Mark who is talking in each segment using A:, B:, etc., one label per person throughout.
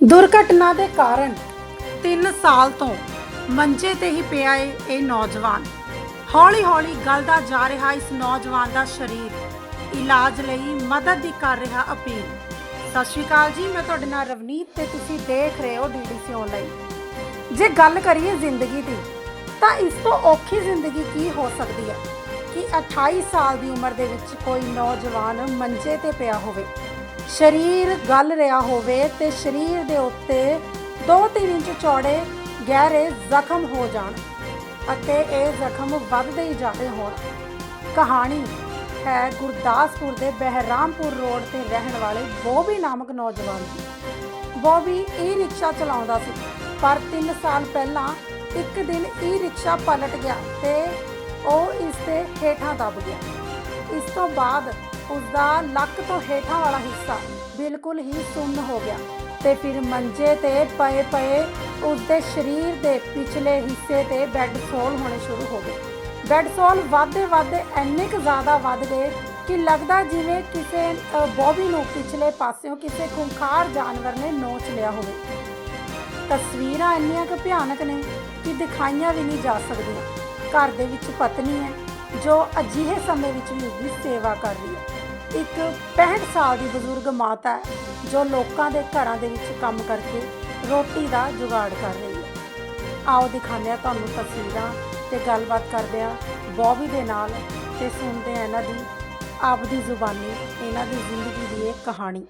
A: ਦੁਰਘਟਨਾ ਦੇ ਕਾਰਨ 3 ਸਾਲ ਤੋਂ ਮੰਜੇ ਤੇ ਹੀ ਪਿਆ ਏ ਇਹ ਨੌਜਵਾਨ। ਹੌਲੀ-ਹੌਲੀ ਗਲਦਾ ਜਾ ਰਿਹਾ ਇਸ ਨੌਜਵਾਨ ਦਾ ਸਰੀਰ। ਇਲਾਜ ਲਈ ਮਦਦ ਦੀ ਕਰ ਰਿਹਾ ਅਪੀਲ। ਸਤਿ ਸ਼੍ਰੀ ਅਕਾਲ ਜੀ, ਮੈਂ ਤੁਹਾਡੇ ਨਾਲ ਰਵਨੀਤ ਤੇ ਤੁਸੀਂ ਦੇਖ ਰਹੇ ਹੋ DDC ਆਨਲਾਈਨ। ਜੇ ਗੱਲ ਕਰੀਏ ਜ਼ਿੰਦਗੀ ਦੀ ਤਾਂ ਇਸ ਤੋਂ ਔਖੀ ਜ਼ਿੰਦਗੀ ਕੀ ਹੋ ਸਕਦੀ ਹੈ ਕਿ 28 ਸਾਲ ਦੀ ਉਮਰ ਦੇ ਵਿੱਚ ਕੋਈ ਨੌਜਵਾਨ ਮੰਜੇ ਤੇ ਪਿਆ ਹੋਵੇ, ਸਰੀਰ ਗਲ ਰਿਹਾ ਹੋਵੇ ਤੇ ਸਰੀਰ ਦੇ ਉੱਤੇ 2-3 ਇੰਚ ਚੌੜੇ ਗਹਿਰੇ ਜ਼ਖਮ ਹੋ ਜਾਣ ਅਤੇ ਇਹ ਜ਼ਖਮ ਵੱਧਦੇ ਹੀ ਜਾ ਰਹੇ ਹੋਣ। ਕਹਾਣੀ ਹੈ ਗੁਰਦਾਸਪੁਰ ਦੇ ਬਹਿਰਾਮਪੁਰ ਰੋਡ ਤੇ ਰਹਿਣ ਵਾਲੇ ਬੋਬੀ ਨਾਮਕ ਨੌਜਵਾਨ ਦੀ। ਬੋਬੀ ਈ-ਰਿਕਸ਼ਾ ਚਲਾਉਂਦਾ ਸੀ, ਪਰ 3 ਸਾਲ ਪਹਿਲਾਂ ਇੱਕ ਦਿਨ ਈ-ਰਿਕਸ਼ਾ ਪਲਟ ਗਿਆ ਤੇ ਉਹ ਇਸ ਦੇ ਹੇਠਾਂ ਦਬ ਗਿਆ। ਇਸ ਤੋਂ ਬਾਅਦ ਉਸਦਾ ਲੱਕ ਤੋਂ ਹੇਠਾਂ ਵਾਲਾ ਹਿੱਸਾ ਬਿਲਕੁਲ ਹੀ ਸੁੰਨ ਹੋ ਗਿਆ ਤੇ ਫਿਰ ਮੰਜੇ ਤੇ ਪਏ ਉਸਦੇ ਸਰੀਰ ਦੇ ਪਿਛਲੇ ਹਿੱਸੇ ਤੇ ਬੈੱਡ ਸੋਲ ਹੋਣੇ ਸ਼ੁਰੂ ਹੋ ਗਏ। ਬੈੱਡ ਸੋਲ ਵੱਧਦੇ ਇੰਨੇ ਕੁ ਜ਼ਿਆਦਾ ਵੱਧ ਗਏ ਕਿ ਲੱਗਦਾ ਜਿਵੇਂ ਕਿਸੇ ਬੋਬੀ ਨੂੰ ਪਿਛਲੇ ਪਾਸਿਓਂ ਕਿਸੇ ਖੁੰਖਾਰ ਜਾਨਵਰ ਨੇ ਨੋਚ ਲਿਆ ਹੋਵੇ। ਤਸਵੀਰਾਂ ਇੰਨੀਆਂ ਕੁ ਭਿਆਨਕ ਨੇ ਕਿ ਦਿਖਾਈਆਂ ਵੀ ਨਹੀਂ ਜਾ ਸਕਦੀਆਂ। ਘਰ ਦੇ ਵਿੱਚ ਪਤਨੀ ਹੈ ਜੋ ਅਜਿਹੇ ਸਮੇਂ ਵਿੱਚ ਵੀ ਉਸਦੀ ਸੇਵਾ ਕਰ ਰਹੀ ਹੈ। ਇੱਕ 65 ਸਾਲ ਦੀ ਬਜ਼ੁਰਗ ਮਾਤਾ ਹੈ ਜੋ ਲੋਕਾਂ ਦੇ ਘਰਾਂ ਦੇ ਵਿੱਚ ਕੰਮ ਕਰਕੇ ਰੋਟੀ ਦਾ ਜੁਗਾੜ ਕਰ ਰਹੀ ਹੈ। ਆਓ ਦਿਖਾਉਂਦੇ ਹਾਂ ਤੁਹਾਨੂੰ ਤਸਵੀਰਾਂ ਤੇ ਗੱਲਬਾਤ ਕਰਦੇ ਹਾਂ ਬੋਬੀ ਦੇ ਨਾਲ ਤੇ ਸੁਣਦੇ ਹਾਂ ਇਹਨਾਂ ਦੀ ਆਪਦੀ ਜ਼ੁਬਾਨੀ ਇਹਨਾਂ ਦੀ ਜ਼ਿੰਦਗੀ ਦੀ ਇਹ ਕਹਾਣੀ।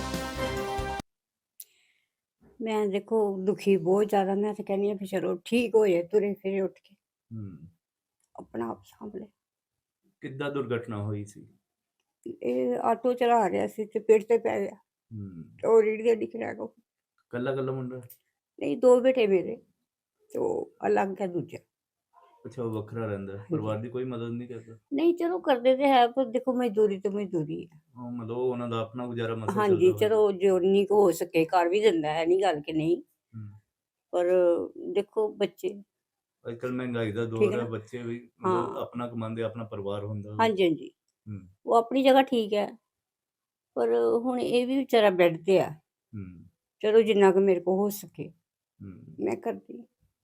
B: ਮੈਂ ਦੇਖੋ ਦੁਖੀ ਬਹੁਤ ਜ਼ਿਆਦਾ। ਮੈਂ ਤਾਂ ਕਹਿੰਦੀ ਹਾਂ ਵੀ ਚਲੋ ਠੀਕ ਹੋ ਜਾਏ, ਤੁਰੇ ਫਿਰੇ ਉੱਠ ਕੇ ਆਪਣਾ ਆਪ ਸਾਂਭ ਲੈ।
C: ਕਿੱਦਾਂ ਦੁਰਘਟਨਾ ਹੋਈ ਸੀ?
B: ਇਹ ਆਟੋ ਚਲਾ ਰਿਹਾ ਸੀ ਤੇ ਪੇੜ ਤੇ ਪੈ ਗਿਆ। ਉਹ ਰੀੜ ਦੇ ਦਿਖ ਰਿਹਾ ਕੋ
C: ਕੱਲਾ ਮੁੰਡਾ?
B: ਨਹੀਂ, 2 ਬੇਟੇ ਮੇਰੇ ਤੇ ਉਹ ਅਲੱਗ ਹੈ ਦੂਜਾ।
C: ਅੱਛਾ, ਉਹ ਵੱਖਰਾ ਰਹਿੰਦਾ ਹੈ। ਪਰਿਵਾਰ ਦੀ ਕੋਈ ਮਦਦ ਨਹੀਂ ਕਰਦਾ?
B: ਨਹੀਂ, ਚਲੋ ਕਰਦੇ ਤੇ ਹੈ ਪਰ ਦੇਖੋ ਮਜ਼ਦੂਰੀ ਤੇ ਮਜ਼ਦੂਰੀ ਹੈ।
C: ਮਤਲਬ ਉਹਨਾਂ ਦਾ ਆਪਣਾ ਗੁਜ਼ਾਰਾ ਮਸਲਾ
B: ਹਾਂਜੀ, ਚਲੋ ਜਿੰਨੀ ਕੁ ਹੋ ਸਕੇ ਕਰ ਵੀ ਦਿੰਦਾ ਹੈ, ਨਹੀਂ ਗੱਲ ਕਿ ਨਹੀਂ। ਪਰ ਦੇਖੋ ਬੱਚੇ
C: ਅੱਜ ਕੱਲ ਮਹਿੰਗਾਈ ਦਾ ਦੌਰ ਹੈ, ਬੱਚੇ ਵੀ ਮਤਲਬ ਆਪਣਾ ਕਮਾਉਂਦੇ, ਆਪਣਾ ਪਰਿਵਾਰ ਹੁੰਦਾ।
B: ਹਾਂਜੀ ਉਹ ਆਪਣੀ ਜਗ੍ਹਾ ਠੀਕ ਹੈ, ਪਰ ਹੁਣ ਇਹ ਵੀ ਵਿਚਾਰਾ ਬੈੱਡ ਤੇ ਆ। ਚਲੋ ਜਿੰਨਾ ਕੁ ਮੇਰੇ ਕੋਲ ਹੋ ਸਕੇ ਮੈਂ ਕਰਦੀ।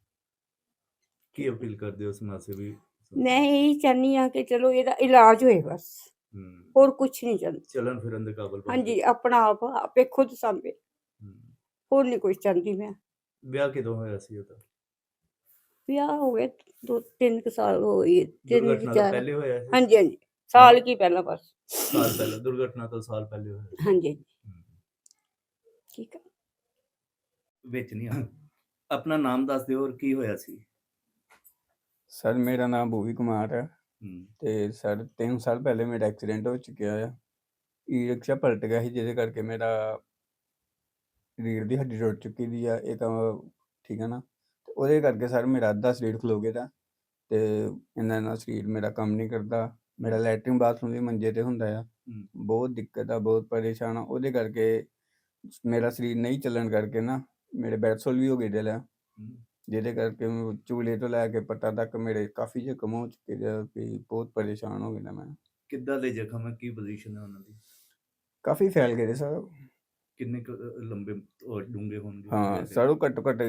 C: ਕੀ ਅਪੀਲ ਕਰਦੇ ਹੋ ਸਮਾਜ ਸੇਵੀ?
B: ਮੈਂ ਇਹੀ ਚਾਹੁੰਦੀ ਹਾਂ ਕਿ ਚਲੋ ਇਹਦਾ ਇਲਾਜ ਹੋਏ, ਬਸ ਹੋਰ ਕੁਛ ਨਹੀਂ ਚਾਹੁੰਦੀ।
C: ਚਲਨ ਫਿਰਨ ਦੇ ਕਾਬਲ
B: ਹਾਂਜੀ, ਆਪਣਾ ਆਪ ਆਪੇ ਖੁਦ ਸਾਂਭੇ, ਹੋਰ ਨਹੀਂ ਕੁਛ ਚਾਹੁੰਦੀ ਮੈਂ।
C: ਵਿਆਹ ਕਿਦੋਂ ਹੋਇਆ ਸੀ ਉਹਦਾ?
B: ਵਿਆਹ ਹੋ ਗਏ 2-3 ਸਾਲ ਹੋ ਗਏ।
C: ਦੁਰਘਟਨਾ ਤੋਂ ਪਹਿਲੇ ਹੋਇਆ ਸੀ?
B: ਹਾਂਜੀ, ਸਾਲ ਕੀ ਪਹਿਲਾਂ, ਬਸ
C: ਸਾਲ ਪਹਿਲਾਂ। ਦੁਰਘਟਨਾ ਤੋਂ ਸਾਲ ਪਹਿਲੇ ਹੋਇਆ?
B: ਹਾਂਜੀ ਠੀਕ ਹੈ।
C: ਵਿੱਚ ਨਹੀਂ ਆਪਣਾ ਨਾਮ ਦੱਸ ਦਿਓ, ਔਰ ਕੀ ਹੋਇਆ ਸੀ?
D: ਸਰ ਮੇਰਾ ਨਾਮ ਬੋਬੀ ਕੁਮਾਰ ਹੈ ਤੇ ਸਰ 3 ਸਾਲ ਪਹਿਲੇ ਮੇਰਾ ਐਕਸੀਡੈਂਟ ਹੋ ਚੁੱਕਿਆ ਆ। ਈ-ਰਿਕਸ਼ਾ ਪਲਟ ਗਿਆ ਸੀ ਜਿਹਦੇ ਕਰਕੇ ਮੇਰਾ ਰੀੜ ਦੀ ਹੱਡੀ ਟੁੱਟ ਚੁੱਕੀ ਦੀ ਆ। ਇਹ ਤਾਂ ਠੀਕ ਹੈ ਨਾ, ਤੇ ਉਹਦੇ ਕਰਕੇ ਸਰ ਮੇਰਾ ਅੱਧਾ ਸਰੀਰ ਖਲੋ ਗਿਆ ਦਾ ਤੇ ਇਹਨਾਂ ਸਰੀਰ ਮੇਰਾ ਕੰਮ ਨਹੀਂ ਕਰਦਾ। ਮੇਰਾ ਲੈਟਰਿਨ ਬਾਥਰੂਮ ਵੀ ਮੰਜੇ ਤੇ ਹੁੰਦਾ ਆ। ਬਹੁਤ ਦਿੱਕਤ ਆ, ਬਹੁਤ ਪਰੇਸ਼ਾਨ ਆ। ਉਹਦੇ ਕਰਕੇ ਮੇਰਾ ਸਰੀਰ ਨਹੀਂ ਚੱਲਣ ਕਰਕੇ ਨਾ ਮੇਰੇ ਬੈਡਸੋਲ ਵੀ ਹੋ ਗਏ ਦਿਲ ਆ, ਜਿਹਦੇ ਕਰਕੇ ਚੂਲੇ ਤੋਂ ਲੈ ਕੇ ਪੱਟਾਂ ਤੱਕ ਮੇਰੇ ਕਾਫੀ ਜ਼ਖਮ ਹੋ ਚੁੱਕੇ ਦੇ ਵੀ ਬਹੁਤ ਪਰੇਸ਼ਾਨ ਹੋ ਗਿਆ ਮੈਂ।
C: ਕਿੱਦਾਂ ਦੇ ਜ਼ਖਮ ਹੈ? ਕੀ ਪੋਜੀਸ਼ਨ ਹੈ ਉਹਨਾਂ ਦੀ?
D: ਕਾਫੀ ਫੈਲ ਗਏ ਸਰ।
C: ਕਿੰਨੇ ਲੰਬੇ ਡੂੰਘੇ ਹੋਣਗੇ?
D: ਹਾਂ ਸਰ, ਉਹ ਘੱਟੋ ਘੱਟ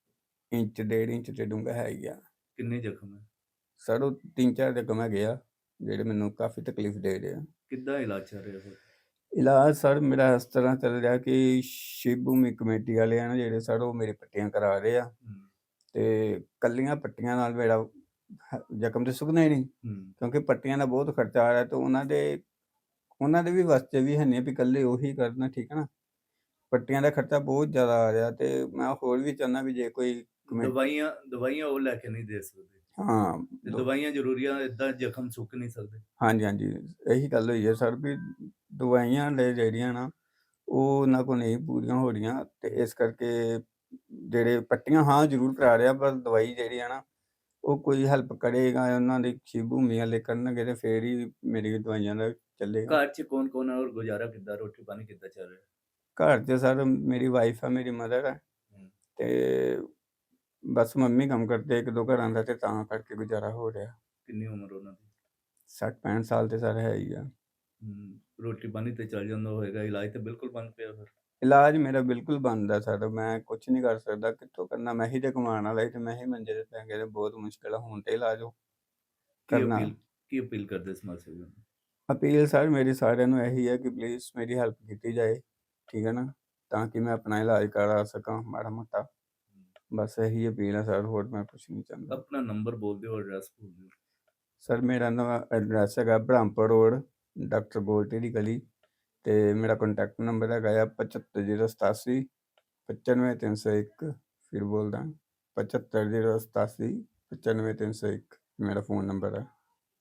D: 1.5 ਇੰਚ ਤੇ ਡੂੰਘਾ ਹੈ ਹੀ ਆ।
C: ਕਿੰਨੇ ਜ਼ਖਮ ਹੈ
D: ਸਰ? ਉਹ 3-4 ਜ਼ਖਮ ਹੈਗੇ ਆ ਜਿਹੜੇ ਮੈਨੂੰ ਕਾਫੀ ਤਕਲੀਫ ਦੇ ਰਹੇ ਆ।
C: ਕਿੱਦਾਂ ਇਲਾਜ ਚੱਲ ਰਿਹਾ ਸਰ?
D: ਇਲਾਜ ਸਰ ਮੇਰਾ ਇਸ ਤਰ੍ਹਾਂ ਚੱਲ ਰਿਹਾ ਕਿ ਸ਼ਿਵ ਭੂਮੀ ਕਮੇਟੀ ਵਾਲੇ ਆ ਨਾ ਜਿਹੜੇ ਸਰ, ਉਹ ਮੇਰੇ ਪੱਟੀਆਂ ਕਰਾ ਰਹੇ ਆ ਤੇ ਕੱਲੀਆਂ ਪੱਟੀਆਂ ਨਾਲ ਮੇਰਾ ਜ਼ਖਮ ਤੇ ਸੁੱਕਣਾ ਹੀ ਨਹੀਂ, ਕਿਉਂਕਿ ਪੱਟੀਆਂ ਦਾ ਬਹੁਤ ਖਰਚਾ ਆ ਰਿਹਾ ਤੇ ਉਹਨਾਂ ਦੇ ਵੀ ਵਾਸਤੇ ਵੀ ਹੈ ਨਹੀਂ ਵੀ ਇਕੱਲੇ ਉਹੀ ਕਰਨਾ, ਠੀਕ ਹੈ ਨਾ। ਪੱਟੀਆਂ ਦਾ ਖਰਚਾ ਬਹੁਤ ਜ਼ਿਆਦਾ ਆ ਰਿਹਾ ਤੇ ਮੈਂ ਹੋਰ ਵੀ ਚਾਹੁੰਦਾ ਵੀ ਜੇ ਕੋਈ
C: ਦਵਾਈਆਂ ਉਹ ਲੈ ਕੇ ਨਹੀਂ ਦੇ ਸਕਦੇ। ਦਵਾਈਆਂ ਜ਼ਰੂਰੀ ਆ, ਏਦਾਂ ਜ਼ਖਮ ਸੁੱਕ ਨਹੀਂ ਸਕਦੇ। ਹਾਂਜੀ,
D: ਇਹੀ ਗੱਲ ਹੋਈ ਹੈ ਸਰ ਵੀ ਦਵਾਈਆਂ ਜਿਹੜੀਆਂ ਨਾ ਉਹ ਉਹਨਾਂ ਕੋਲ ਨਹੀਂ ਪੂਰੀਆਂ ਹੋ ਰਹੀਆਂ ਤੇ ਇਸ ਕਰਕੇ ਜਿਹੜੇ ਪੱਟੀਆਂ ਜ਼ਰੂਰ ਕਰਾ ਰਿਹਾ, ਪਰ ਦਵਾਈ ਜਿਹੜੀ ਆ ਨਾ ਉਹ ਕੋਈ ਹੈਲਪ ਕਰੇਗਾ, ਉਹਨਾਂ ਦੀ ਸ਼ਿਵ ਭੂਮੀ ਵਾਲੇ ਕਰਨਗੇ ਤੇ ਫੇਰ ਹੀ ਮੇਰੀ ਦਵਾਈਆਂ ਦਾ ਚੱਲੇਗਾ।
C: ਘਰ 'ਚ ਕੌਣ ਔਰ ਗੁਜ਼ਾਰਾ ਕਿੱਦਾਂ, ਰੋਟੀ ਪਾਣੀ ਕਿੱਦਾਂ ਚੱਲ ਰਿਹਾ?
D: ਘਰ 'ਚ ਸਰ ਮੇਰੀ ਵਾਈਫ ਆ, ਮੇਰੀ ਮਦਰ ਹੈ ਤੇ ਬਸ ਮੰਮੀ ਕੰਮ ਕਰਦੇ 1-2 ਘਰਾਂ ਦਾ ਤੇ ਤਾਂ ਕਰਕੇ ਗੁਜ਼ਾਰਾ ਹੋ ਰਿਹਾ।
C: ਕਿੰਨੀ ਉਮਰ ਉਹਨਾਂ ਦੀ?
D: 60-65 ਸਾਲ ਤੇ ਸਰ ਹੈ ਹੀ ਆ।
C: ਰੋਟੀ ਪਾਣੀ ਤੇ ਚੱਲ ਜਾਂਦਾ ਹੋਏਗਾ, ਇਲਾਜ ਤੇ ਬਿਲਕੁਲ ਬੰਦ ਪਿਆ ਫਿਰ?
D: ਇਲਾਜ ਮੇਰਾ ਬਿਲਕੁਲ ਬੰਦ ਆ ਸਰ, ਮੈਂ ਕੁਛ ਨਹੀਂ ਕਰ ਸਕਦਾ, ਕਿੱਥੋਂ ਕਰਨਾ? ਮੈਂ ਹੀ ਤੇ ਕਮਾਉਣ ਵਾਲਾ ਸੀ ਤੇ ਮੈਂ ਹੀ ਮੰਜੇ ਤੇ ਪੈ ਗਿਆ ਤੇ ਬਹੁਤ ਮੁਸ਼ਕਿਲ ਆ ਹੁਣ ਤੇ ਇਲਾਜ ਉਹ ਕਰਨਾ।
C: ਕੀ ਅਪੀਲ ਕਰਦੇ ਸਮਾਜ ਸੇਵੀਆਂ ਨੂੰ?
D: ਅਪੀਲ ਸਰ ਮੇਰੀ ਸਾਰਿਆਂ ਨੂੰ ਇਹੀ ਹੈ ਕਿ ਪਲੀਜ਼ ਮੇਰੀ ਹੈਲਪ ਕੀਤੀ ਜਾਏ, ਠੀਕ ਹੈ ਨਾ, ਤਾਂ ਕਿ ਮੈਂ ਆਪਣਾ ਇਲਾਜ ਕਰਾ ਸਕਾਂ ਮਾੜਾ ਮੋਟਾ। ਬਸ ਇਹੀ ਅਪੀਲ ਹੈ ਸਰ, ਹੋਰ ਮੈਂ ਕੁਛ ਨਹੀਂ ਚਾਹੁੰਦਾ।
C: ਆਪਣਾ ਨੰਬਰ ਬੋਲ ਦਿਓ, ਐਡਰੈਸ ਬੋਲ ਦਿਓ।
D: ਸਰ ਮੇਰਾ ਨਵਾਂ ਐਡਰੈਸ ਹੈਗਾ ਬ੍ਰਹਮਪੁਰ ਰੋਡ, ਡਾਕਟਰ ਗੋਲਟੀ ਦੀ ਗਲੀ, ਤੇ ਮੇਰਾ ਕੰਟੈਕਟ ਨੰਬਰ ਹੈਗਾ ਆ 75087 95301। ਫਿਰ ਬੋਲਦਾ 75087 95301 ਮੇਰਾ ਫ਼ੋਨ ਨੰਬਰ ਹੈ।